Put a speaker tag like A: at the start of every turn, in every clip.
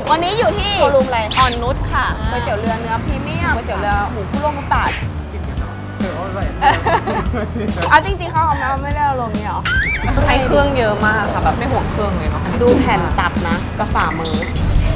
A: วันนี้อยู่ที่โชว์รูมอะไรอ่อนนุชค่ะก๋วยเตี๋ยวเรือเนื้อพรีเมียมก๋วยเตี๋ยวเรือหมูคุโร่มุตาดเอาจริงๆเขาเอาไม่ได้เอาลงนี่หรอให้เครื่องเยอะมากค่ะแบบไม่ห่วงเครื่องเลยเนาะดูแผ่นตับนะกับฝ่ามือ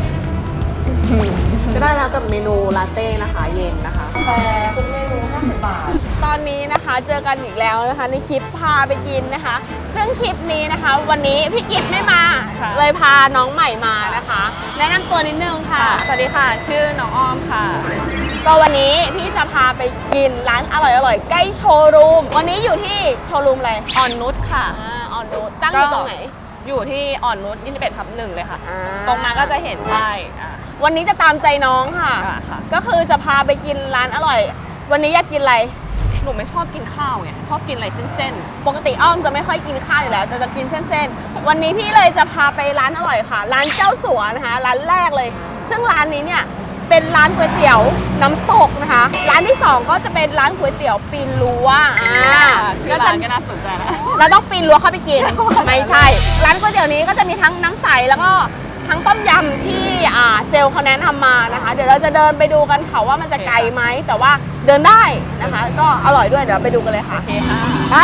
A: ก็ได้แล้วกับเมนูลาเต้นะคะเย็นนะคะแต่ทุกเมนู50 บาทตอนนี้นะคะเจอกันอีกแล้วนะคะในคลิปพาไปกินนะคะซึ่งคลิปนี้นะคะวันนี้พี่กิฟไม่มาเลยพาน้องใหม่มานะคะแนะนำตัวนิดนึงค่ะสวัสดีค่ะชื่อน้องอ้อมค่ะก็วันนี้พี่จะพาไปกินร้านอร่อยๆใกล้โชว์รูมวันนี้อยู่ที่โชว์รูมอะไรอ่อนนุชค่ะอ่อนนุชตั้งอยู่ตรงไหนอยู่ที่อ่อนนุช21/1เลยค่ะตรงมาก็จะเห็นป้ายวันนี้จะตามใจน้องค่ะก็คือจะพาไปกินร้านอร่อยวันนี้อยากกินอะไรหนูไม่ชอบกินข้าวไงชอบกินอะไรเส้นๆปกติอ้อมจะไม่ค่อยกินข้าวอยู่แล้วแต่จะกินเส้นๆวันนี้พี่เลยจะพาไปร้านอร่อยค่ะร้านเจ้าสัวนะคะร้านแรกเลยซึ่งร้านนี้เนี่ยเป็นร้านก๋วยเตี๋ยวน้ำตกนะคะร้านที่2ก็จะเป็นร้านก๋วยเตี๋ยวปีนรั้วชื่อร้านก็น่าสนใจนะเราต้องปีนรั้วเข้าไปกินไม่ใช่ร้านก๋วยเตี๋ยวนี้ก็จะมีทั้งน้ำใสแล้วก็ทั้งต้มยำที่เซลล์เขาแนะนำมานะคะเดี๋ยวเราจะเดินไปดูกันค่ะว่ามันจะไกลไหมแต่ว่าเดินได้นะคะก็อร่อยด้วยเดี๋ยวไปดูกันเลยค่ะโอเคค่ะได้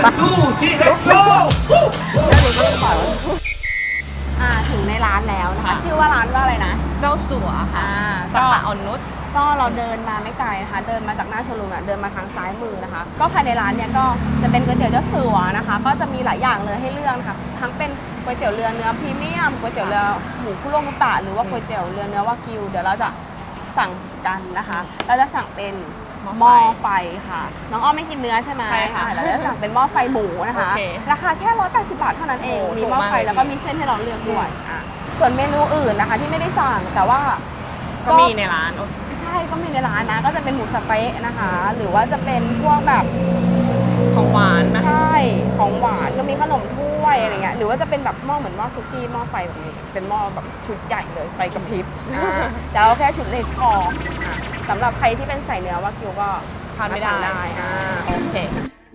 A: ถึงในร้านแล้วนะคะชื่อว่าร้านว่าอะไรนะเจ้าสัวค่ะสาขาอ่อนนุชก็เราเดินมาไม่ไกลนะคะเดินมาจากหน้าโชว์รูมเดินมาทางซ้ายมือนะคะก็ภายในร้านเนี่ยก็จะเป็นก๋วยเตี๋ยวเจ้าสัวนะคะก็จะมีหลายอย่างเลยให้เลือกนะคะทั้งเป็นก๋วยเตี๋ยวเรือเนื้อพรีเมียมก๋วยเตี๋ยวเรือหมูคุโร่มุตะหรือว่าก๋วยเตี๋ยวเรือเนื้อวากิวเดี๋ยวเราจะสั่งกันนะคะเราจะสั่งเป็นหม้อไฟค่ะน้องอ้อมไม่กินเนื้อใช่ไหมใช่ค่ะเราจะสั่งเป็นหม้อไฟหมูนะคะราคาแค่180 บาทเท่านั้นเองมีหม้อไฟแล้วก็มีเส้นให้เราเลือกด้วยส่วนเมนูอื่นนะคะที่ไม่ได้สั่งแต่ว่าก็มีในร้านใช่ก็มีในร้านนะก็จะเป็นหมูสะเต๊ะนะคะหรือว่าจะเป็นพวกแบบของหวานนะใช่ของหวานก็มีขนมถ้วยอะไรเงี้ยหรือว่าจะเป็นแบบหม้อเหมือนหม้อซุกี้หม้อไฟแบบนี้เป็นหม้อแบบชุดใหญ่เลยไฟกระพริบแต่เราแค่ชุดเล็กพอสำหรับใครที่เป็นใส่เนื้อวากิวก็ทานไม่ได้โอเค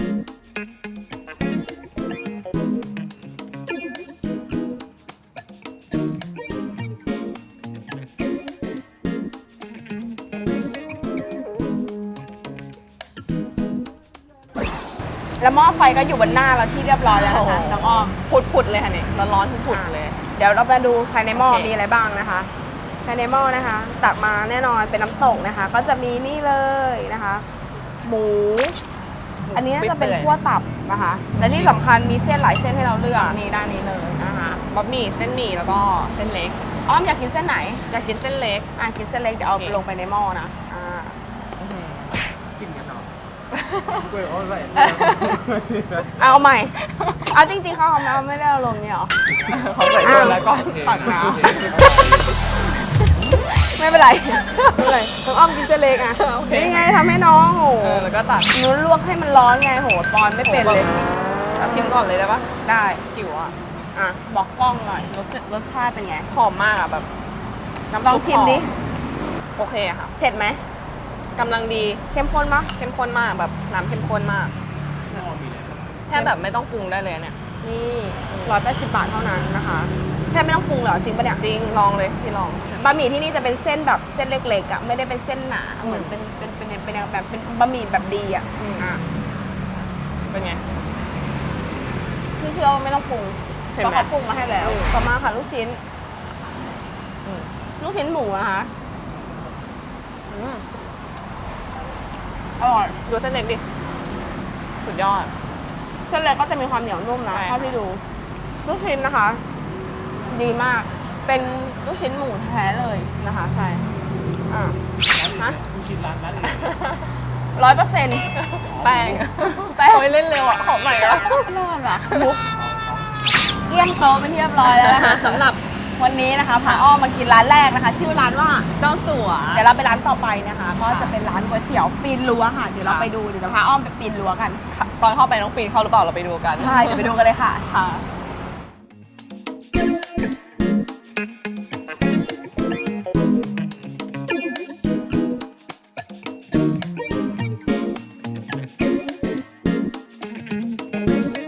A: แล้วหม้อไฟก็อยู่บนหน้าเราที่เรียบร้อยแล้วนะคะน้องอ้อมผุดเลยค่ะเนี่ยร้อนๆผุดเลยเดี๋ยวเรามาดูภายในหม้อมีอะไรบ้างนะคะภายในหม้อนะคะตักมาแน่นอนเป็นน้ำตกนะคะก็จะมีนี่เลยนะคะหมูอันนี้น่าจะเป็นคั่วตับนะคะและที่สำคัญมีเส้นหลายเส้นให้เราเลือกนี่ด้านนี้เลยนะคะบะหมี่เส้นหมี่แล้วก็เส้นเล็กอ้อมอยากกินเส้นไหนอยากกินเส้นเล็กกินเส้นเล็กเดี๋ยวเอาลงไปในหม้อนะเอาใหม่เอาจริงๆเขาเอาไม่ได้เอาลงเนี่ยหรอเขาใส่เกลือแล้วก็ตักน้ำไม่เป็นไรต้องอ้อมกินเส้นเล็กอ่ะนี่ไงทำให้น้องโหแล้วก็ตักนู้นลวกให้มันร้อนไงโหปอนไม่เป็นเลยชิมก่อนเลยได้ปะได้หิวอ่ะบอกกล้องหน่อยรสชาติเป็นไงหอมมากอ่ะแบบลองชิมดิโอเคค่ะเผ็ดไหมกำลังดีเข้มข้นมากเข้มข้นมากแบบน้ำเข้มข้นมากแค่แบบไม่ต้องปรุงได้เลยเนี่ยนี่180 บาทเท่านั้นนะคะแค่ไม่ต้องปรุงเหรอจริงปะเนี่ยจริงลองเลยพี่ลองบะหมี่ที่นี่จะเป็นเส้นแบบเส้นเล็กๆอ่ะไม่ได้เป็นเส้นหนาเหมือนเป็นแบบเป็นบะหมี่แบบดีอ่ะเป็นไงพี่เชื่อว่าไม่ต้องปรุงเพราะเขาปรุงมาให้แล้วต่อมาค่ะลูกชิ้นหมูนะคะอร่อยดูเส้นเล็กดิสุดยอดเส้นเล็กก็จะมีความเหนียวนุ่มนะเท่าที่ดูลูกชิ้นนะคะดีมากเป็นลูกชิ้นหมูแท้เลยนะคะใช่ลูกชิ้นร้านนั้น100%แป้งเล่นเร็วอ่ะขอใหม่แล้วรอดว่ะมุกเยี่ยมโตเป็นที่เรียบร้อยแล้วนะคะสำหรับวันนี้นะคะพาอ้อมมากินร้านแรกนะคะชื่อร้านว่าเจ้าสัวเดี๋ยวเราไปร้านต่อไปนะคะก็จะเป็นร้านก๋วยเตี๋ยวปีนรั้วค่ะเดี๋ยวเราไปดูเดี๋ยวจะพาอ้อมไปปีนรั้วกันตอนเข้าไปน้องปีนเข้าหรือเปล่าเราไปดูกันใช่เดี๋ยวไปดูกันเลยค่ะ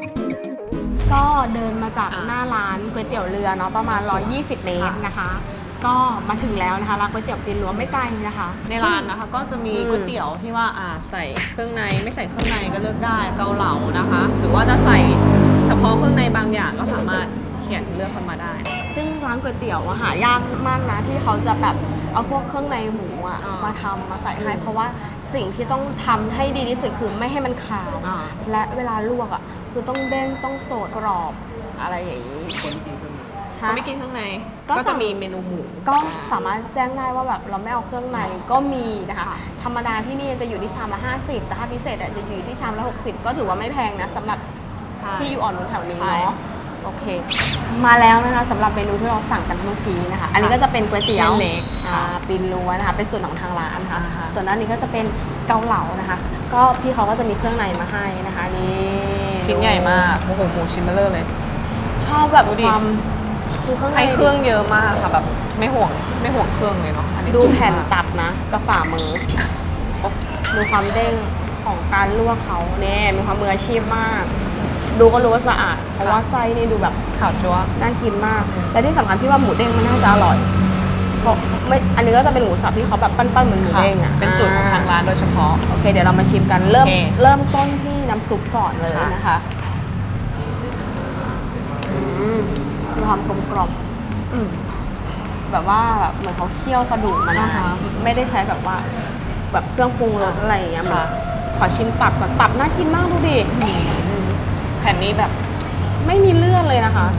A: ก็เดินมาจากหน้าร้านก๋วยเตี๋ยวเรือเนาะประมาณ120 เมตรนะคะก็มาถึงแล้วนะคะร้านก๋วยเตี๋ยวตีนรั้วไม่ไกลนะคะในร้านนะคะก็จะมีก๋วยเตี๋ยวที่ว่าใส่เครื่องในไม่ใส่เครื่องในก็เลือกได้เกาเหลานะคะ หรือว่าจะใส่เฉพาะเครื่องในบางอย่างก็สามารถเขียนเลือกเข้ามาได้ ซึ่งร้านก๋วยเตี๋ยวหายากมากนะที่เขาจะแบบเอาพวกเครื่องในหมูมาทำมาใส่ให้เพราะว่าสิ่งที่ต้องทำให้ดีที่สุดคือไม่ให้มันขาวและเวลาลวกคือต้องเด้งต้องสดกรอบอะไรอย่างนี้คนที่กินเครื่องในไม่กินเครื่องในก็จะมีเมนูหมูก็สามารถแจ้งได้ว่าแบบเราไม่เอาเครื่องในก็มีนะคะธรรมดาที่นี่จะอยู่ที่ชามละ50แต่ถ้าพิเศษจะอยู่ที่ชามละ60ก็ถือว่าไม่แพงนะสำหรับที่อยู่อ่อนนุชแถวนี้เนาะโอเคมาแล้วนะคะสำหรับเมนูที่เราสั่งกันเมื่อกี้นะคะอันนี้ก็จะเป็นก๋วยเตี๋ยวเล็กปีนรั้วนะคะเป็นส่วนของทางร้านค่ะส่วนด้านนี้ก็จะเป็นเกาเหลานะคะก็พี่เขาก็จะมีเครื่องในมาให้นะคะนี่ชิ้นใหญ่มากโอ้โหหมูชิ้นเบลอเลยชอบแบบความให้เครื่องเยอะมากค่ะแบบไม่ห่วงเครื่องเลยเนาะดูแผ่นตับนะกับฝ่ามือดูความเด้งของการลวกเขาเนี่ยมีความมืออาชีพมากดูก็รู้ว่าสะอาดเพราะว่าไส้นี่ดูแบบขาวจั๊วน่ากินมากและที่สำคัญพี่ว่าหมูเด้งมันน่าจะอร่อยเพราะไม่อันนี้ก็จะเป็นหมูสับที่เขาแบบปั้นๆเหมือนหมูเด้งเป็นสูตรของทางร้านโดยเฉพาะโอเคเดี๋ยวเรามาชิมกันเริ่มต้นที่น้ำซุปก่อนเลยนะคะมีความกลมกล่อมแบบว่าแบบเหมือนเขาเคี่ยวกระดูกมานะคะไม่ได้ใช้แบบว่าแบบเครื่องปรุงรสอะไรอย่างเงี้ยค่ะขอชิมตับก่อนตับน่ากินมากดูดิแผ่นนี้แบบไม่มีเลือดเลยนะคะ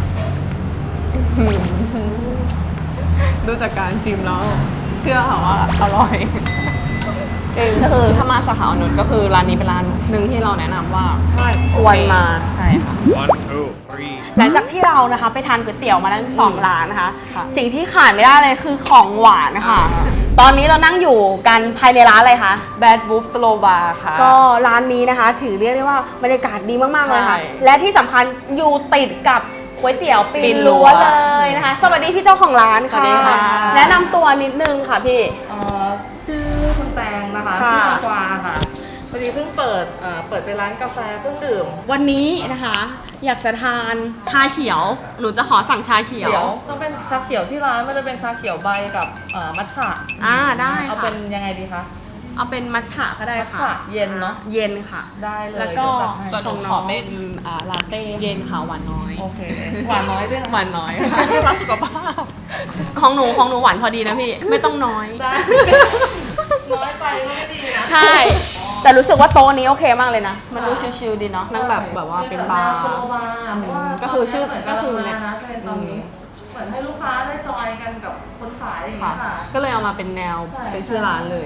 A: ดูจากการชิมแล้วเชื่อค่ะว่าอร่อยจริงก็คือถ้ามาสาขาอนุชก็คือร้านนี้เป็นร้านหนึ่งที่เราแนะนำว่าควรมาใช่ค่ะ
B: One, two, three.
A: หลังจากที่เรานะคะไปทานก๋วยเตี๋ยวมาทั้ง2ร้านนะคะสิ่งที่ขาดไม่ได้เลยคือของหวานนะคะตอนนี้เรานั่งอยู่กันภายในร้านอะไรคะ
C: Bad Wolf Slow Bar ค่ะ
A: ก็ร้านนี้นะคะถือเรียกได้ว่าบรรยากาศดีมากๆเลยค่ะและที่สำคัญอยู่ติดกับก๋วยเตี๋ยวปีนรั้วเลยนะคะสวัสดีพี่เจ้าของร้านค่ะแนะนำตัวนิดนึงค่ะพี่
C: ชื่อคุณแตงนะคะชื่อตะกวาค่ะพอดีเพิ่งเปิดเป็นร้านกาแฟเครื่องดื่ม
A: วันนี้นะคะอยากจะทานชาเขียวหนูจะขอสั่งชาเขียว
C: ต้องเป็นชาเขียวที่ร้านมันจะเป็นชาเขียวใบกับมัทฉะ
A: ได้ค่ะ
C: เอาเป็นยังไงดีคะ
A: เอาเป็นมัทฉะก็ได้ค่ะ
C: มัทฉะเย็นเนาะ
A: เย็นค่ะ
C: ได้เลย
A: แล้วก็ส่วนขอเป็นลาเต้เย็นค่ะหวานน้อย
C: โอเคหวานน้อยด้วย
A: หวานน้อยค่ะเพื่อสุขภาพของหนูหวานพอดีนะพี่ไม่ต้องน้อย
C: น้อยไปก็ไม่ดีนะ
A: ใช่แต่รู้สึกว่าโต๊ะนี้โอเคมากเลยนะมันดูชิลๆดีเนาะนั่งแบบว่าเป็นบาร์ก็คือชื่อก็คือ
C: เนี่ยตอนนี้เหมือนให้ลูกค้าได้จอยกันกับคนขายอย่างเงี้ยค่ะ
A: ก็เลยเอามาเป็นแนวเป็นชื่อร้านเลย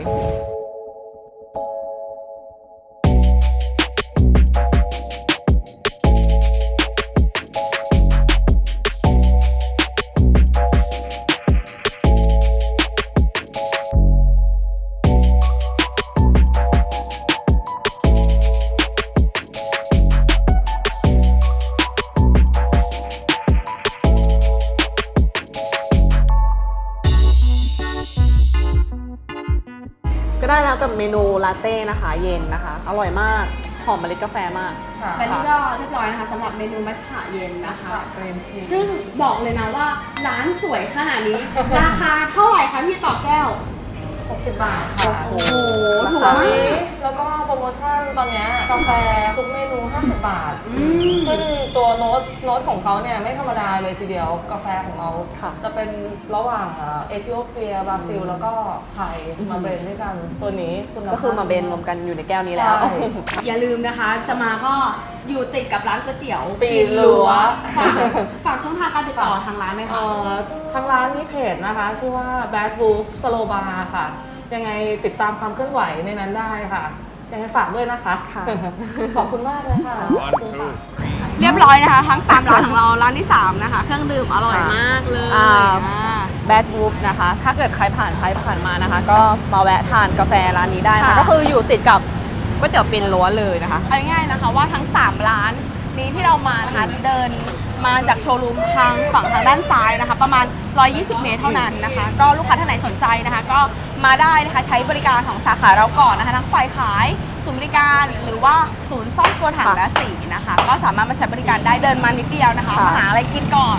A: ก็ได้แล้วกับเมนูลาเต้นะคะเย็นนะคะอร่อยมากหอมเมล็ดกาแฟมากและนี่ก็เรียบร้อยนะคะสำหรับเมนูมัทฉะเย็นนะคะซึ่งบอกเลยนะว่าร้านสวยขนาดนี้ ราคาเท่าไหร่คะพี่ต่อแก้ว
C: 60 บาทค่ะ
A: โอ้โหถูกมาก
C: แล้วก็โปรโมชั่นตอนนี้กาแฟทุกเมนู50 บาทซึ่งตัวโน้ตของเขาเนี่ยไม่ธรรมดาเลยทีเดียวกาแฟของเราจะเป็นระหว่างเอธิโอเปียบราซิลแล้วก็ไทยมาเบรนด้วยกันตัวนี้
A: ก็คือมาเบรนรวมกันอยู่ในแก้วนี้แล้วอย่าลืมนะคะจะมาก็อยู่ติดกับร้านก๋วยเตี๋ยว
C: ปีนรั้ว
A: ฝากช่องทางการติดต่อทางร้านไหมคะ
C: ทางร้านมีเพจนะคะชื่อว่า Bad Wolf Slow Bar ค่ะยังไงติดตามความเคลื่อนไหวในนั้นได้ค่ะยังไงฝากด้วยนะคะขอบคุณมากเลยค่ะ
A: เรียบร้อยนะคะทั้ง3ร้านของเราร้านที่3นะคะเครื่องดื่มอร่อยมากเลยBad Wolf นะคะถ้าเกิดใครผ่านมานะคะก็มาแวะทานกาแฟร้านนี้ได้นะก็คืออยู่ติดกับก๋วยเตี๋ยวปีนรั้วเลยนะคะเอาง่ายๆนะคะว่าทั้ง3ร้านนี้ที่เรามานะคะเดินมาจากโชว์รูมทางฝั่งทางด้านซ้ายนะคะประมาณ120 เมตรเท่านั้นนะคะก็ลูกค้าท่านไหนสนใจนะคะก็มาได้นะคะใช้บริการของสาขาเราก่อนนะคะทั้งฝ่ายขายศูนย์บริการหรือว่าศูนย์ซ่อมตัวถังและสีนะคะก็สามารถมาใช้บริการได้เดินมานิดเดียวนะคะมาหาอะไรกินก่อน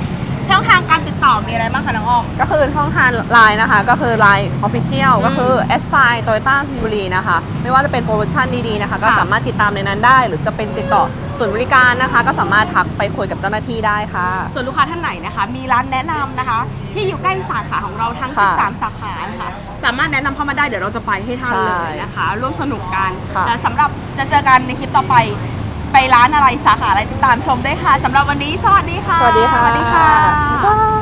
A: ช่องทางการติดต่อมีอะไรบ้างคะน้องอ้อมก็คือช่องทางไลน์นะคะก็คือ Line Official ก็คือ s i Toyota ธนบุรีนะคะไม่ว่าจะเป็นโปรโมชั่นดีๆนะคะก็สามารถติดตามในนั้นได้ หรือจะเป็นติดต่อส่วนบริการนะคะก็สามารถทักไปคุยกับเจ้าหน้าที่ได้ค่ะส่วนลูกค้าท่านไหนนะคะมีร้านแนะนำนะคะที่อยู่ใกล้สาขาของเราทั้ง13สาขานะคะสามารถแนะนำเข้ามาได้เดี๋ยวเราจะไปให้ท่านเลยนะคะร่วมสนุกกันและสำหรับจะเจอกันในคลิปต่อไปร้านอะไรสาขาอะไรติดตามชมได้ค่ะสำหรับวันนี้สวัสดีค่ะ
B: สวัสดีค่ะ
A: สวัสดีค่ะ